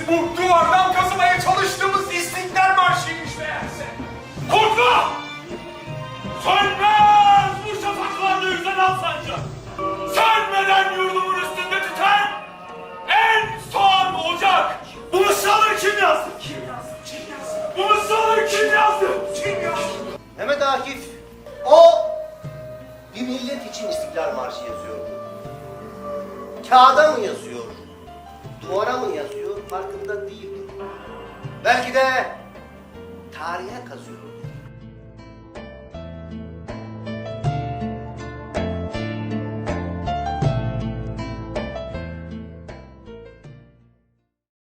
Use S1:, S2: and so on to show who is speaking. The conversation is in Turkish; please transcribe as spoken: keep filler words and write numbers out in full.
S1: bu duvardan kazımaya çalıştığımız İstiklal Marşı'ymış meğerse.
S2: Korkma! Sönmez bu şafaklarda yüzen al sancak. Sönmeden yurdumun üstünde tüten en son ocak. Bu mısraları kim yazdı?
S1: Kim yazdı? Kim yazdı?
S2: Bu mısraları kim yazdı?
S1: Kim yazdı?
S3: Mehmet Akif, o bir millet için İstiklal Marşı yazıyordu. Kağıda mı yazıyor, duvara mı yazıyor farkında değildi. Belki de tarihe kazıyor.